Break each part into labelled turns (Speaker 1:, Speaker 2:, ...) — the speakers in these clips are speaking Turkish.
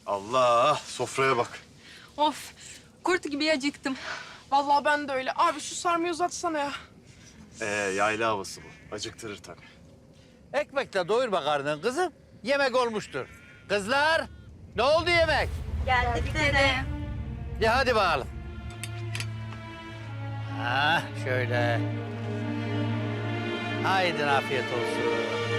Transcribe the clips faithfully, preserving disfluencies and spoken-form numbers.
Speaker 1: Allah, sofraya bak.
Speaker 2: Of, kurt gibi acıktım.
Speaker 3: Vallahi ben de öyle. Abi şu sarmayı uzatsana ya.
Speaker 1: Ee, yayla havası bu. Acıktırır tabii.
Speaker 4: Ekmekle doyurma karnın kızım. Yemek olmuştur. Kızlar, ne oldu yemek?
Speaker 2: Geldik dede.
Speaker 4: Ya hadi bakalım. Ha, şöyle. Haydi afiyet olsun.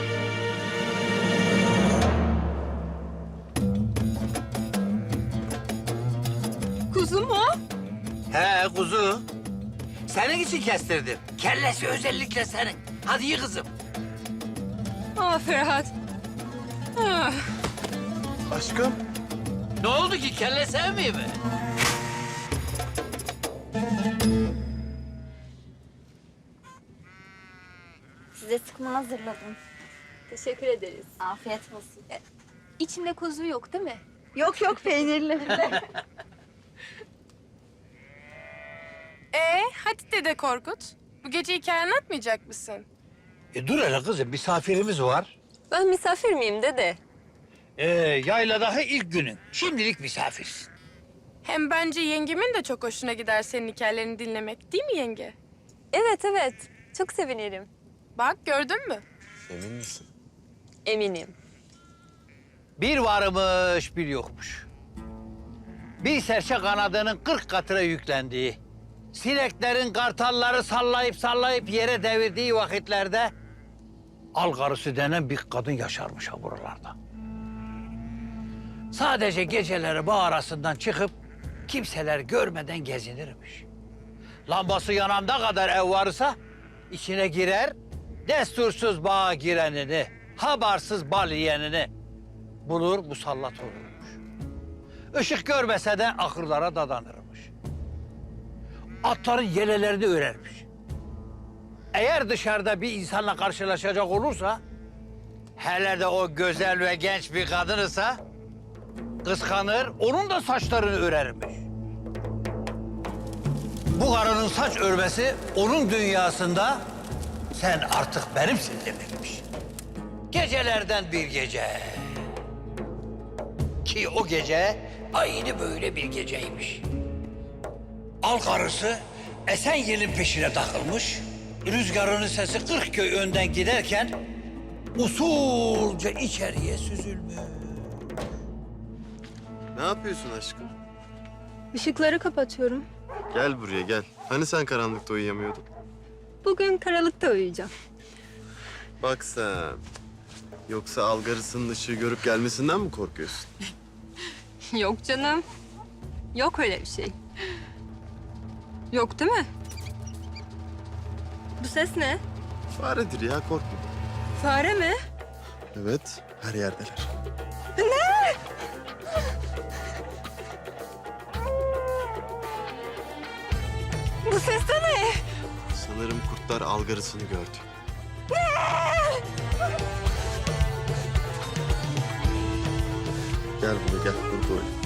Speaker 2: Kuzu mu?
Speaker 4: He kuzu. Senin için kestirdim. Kellesi özellikle senin. Hadi ye kızım.
Speaker 2: Aa Ferhat. Ah.
Speaker 1: Aşkım.
Speaker 4: Ne oldu ki kelle sevmiyor mi?
Speaker 5: Size sıkma hazırladım.
Speaker 2: Teşekkür ederiz.
Speaker 5: Afiyet olsun.
Speaker 2: İçinde kuzu yok değil mi?
Speaker 5: Yok yok peynirli.
Speaker 3: Ee, hadi dede Korkut. Bu gece hikaye anlatmayacak mısın?
Speaker 4: E dur hele kızım, misafirimiz var.
Speaker 2: Ben misafir miyim dede?
Speaker 4: Ee, yayladaki ilk günün. Şimdilik misafirsin.
Speaker 3: Hem bence yengemin de çok hoşuna gider senin hikayelerini dinlemek. Değil mi yenge?
Speaker 2: Evet evet. Çok sevinirim.
Speaker 3: Bak gördün mü?
Speaker 1: Emin misin?
Speaker 2: Eminim.
Speaker 4: Bir varmış, bir yokmuş. Bir serçe kanadının kırk katına yüklendiği, sineklerin kartalları sallayıp sallayıp yere devirdiği vakitlerde algarısı denen bir kadın yaşarmış ha buralarda. Sadece geceleri bağ arasından çıkıp kimseler görmeden gezinirmiş. Lambası yananda kadar ev varsa içine girer, destursuz bağa girenini, habarsız bal yiyenini bulur, musallat olurmuş. Işık görmese de ahırlara dadanırmış. Atların yelelerini örermiş. Eğer dışarıda bir insanla karşılaşacak olursa, hele de o güzel ve genç bir kadın ise kıskanır, onun da saçlarını örermiş. Bu karının saç örmesi onun dünyasında sen artık benimsin demekmiş. Gecelerden bir gece. Ki o gece aynı böyle bir geceymiş. Al karısı esen yelin peşine takılmış. Rüzgarının sesi kırk köy önden giderken usulca içeriye süzülmüş.
Speaker 1: Ne yapıyorsun aşkım?
Speaker 2: Işıkları kapatıyorum.
Speaker 1: Gel buraya gel. Hani sen karanlıkta uyuyamıyordun?
Speaker 2: Bugün karanlıkta uyuyacağım.
Speaker 1: Bak sen. Yoksa algarısının ışığı görüp gelmesinden mi korkuyorsun?
Speaker 2: Yok canım. Yok öyle bir şey. Yok değil mi? Bu ses ne?
Speaker 1: Faredir ya, korkma.
Speaker 2: Fare mi?
Speaker 1: Evet, her yerdeler.
Speaker 2: Bu ses de ne?
Speaker 1: Sanırım kurtlar algarısını gördü. Gel buraya gel, burada oyna.